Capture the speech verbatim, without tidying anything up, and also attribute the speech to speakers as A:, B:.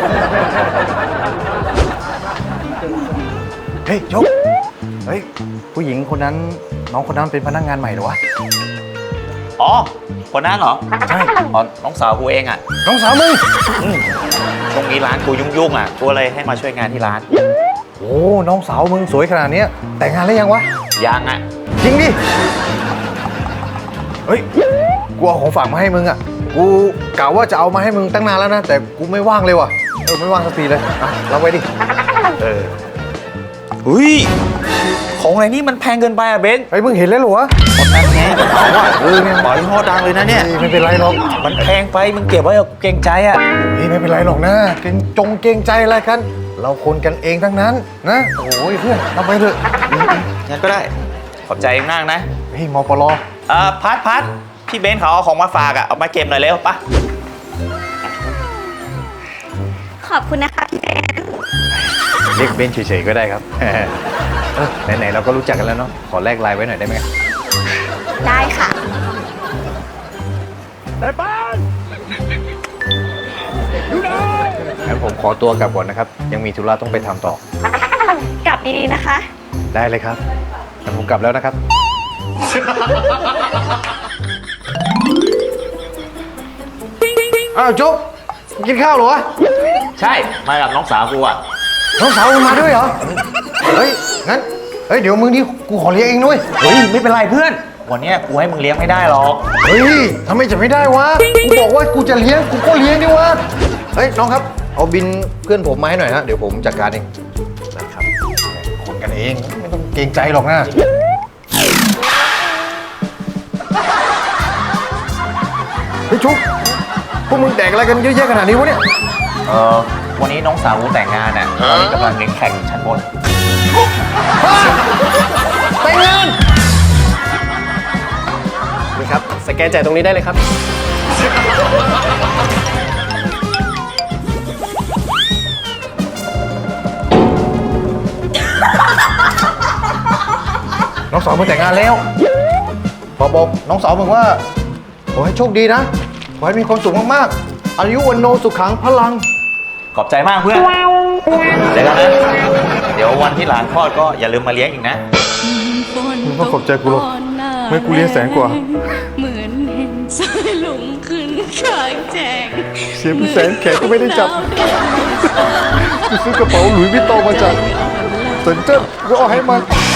A: เฮ้ยโชคเฮ้ยผู้หญิงคนนั้นน้องคนนั้นเป็นพนักงานใหม่เหรอวะ
B: อ๋อคนนั้นเหรอ
A: ใช่
B: อ๋อน้องสาวกูเองอ่ะ
A: น้องสาวมึง
B: ช่วงนี้ร้านกูยุ่งๆอ่ะกูเลยให้มาช่วยงานที่ร้าน
A: โอ้น้องสาวมึงสวยขนาดนี้แต่งงานแล้วยังวะ
B: ยังอ่ะ
A: จริงดิเฮ้ยกูเอาของฝากมาให้มึงอ่ะกูกะว่าจะเอามาให้มึงตั้งนานแล้วนะแต่กูไม่ว่างเลยว่ะเออไม่ว่างสักทีเลยอ่ะรับไว้ดิเออ
B: อุ้ยของอะไรนี่มันแพงเกินไปอ่ะเบนซ์
A: ไอ้มึงเห็นแล้วเหรอวะ
B: หมดแพงแน่กระเป๋าอ่ะเออเนี่ยปล่อยห่อดังเลยนะเนี่ย
A: ไม่เป็นไรหรอก
B: มันแพงไปมึงเก็บไว้เกรงใจอ่ะ
A: เฮ้ยไม่เป็นไรหรอกนะเกรงจงเกรงใจอะไรกันเราคนกันเองทั้งนั้นนะโอ้ยเพื่อนรับไปเถอะ
B: งั้นก็ได้ขอบใจมากนะ
A: เฮ้ยมปล
B: เอ่อพัดพัดพี่เบนซ์เขาเอาของมาฝากอ่ะเอามาเก็บหน่อยเร็วปะ
C: ขอบคุณนะคะพี่เบน
A: เรียกเบนเฉยๆก็ได้ครับเออไหนๆเราก็รู้จักกันแล้วเนาะขอแลกไลน์ไว้หน่อยได้ไหม
C: ได้ค่ะ
A: ได้ป้านอยู่ไหนงั้นผมขอตัวกลับก่อนนะครับยังมีธุระต้องไปทำต่อก
C: ลับดีๆนะคะ
A: ได้เลยครับงั้นผมกลับแล้วนะครับอ้าวจุ๊บกินข้าวเหรอวะ
B: ใช่มากับน้องสาวกูอ่ะ
A: น้องสาวมึงมาด้วยเหรอเฮ้ยงั้นเฮ้ยเดี๋ยวมึงนี่กูขอเลี้ยงเองด้วย
B: เฮ้ยไม่เป็นไรเพื่อนวันนี้กูให้มึงเลี้ยงไม่ได้หรอก
A: เฮ้ยทำไมจะไม่ได้วะกูบอกว่ากูจะเลี้ยงกูก็เลี้ยงดิวะเฮ้ยน้องครับเอาบินเพื่อนผมมาให้หน่อยฮะเดี๋ยวผมจัดการเองนะครับคนกันเองไม่ต้องเกรงใจหรอกนะเฮ้ยชุกพวกมึงแดกอะไรกันเยอะแยะขนาดนี้วะเนี่ย
B: เออวันนี้น้องสาวกูแต่งงานอ่ะตอนนี้กำลังเลี้ยงแข่งอยู่ชั้นบน
A: แต่งงาน
D: นี่ครับสแกนจ่ายตรงนี้ได้เลยครับ
A: น้องสาวมึงแต่งงานแล้วบอกบอกน้องสาวมึงว่าขอให้โชคดีนะขอให้มีความสุขมากๆอายุวันโนสุขังพลัง
B: ขอบใจมากเพื่อนเดี๋ยวกันนะเดี๋ยววันที่หลานคลอดก็อย่าลืมมาเลี้ยงอีกนะ
A: มึงต้องขอบใจกูหรอกไม่กูเลี้ยงแสนกว่า
E: เหมือนเห็นสายลุงขึ้นข้างแจง
A: เสียเป็นแสนแขกก็ไม่ได้จับกูซื้อกระเป๋าหลุยส์วิตตองมาจากเซินเจิ้นก็เอาให้มัน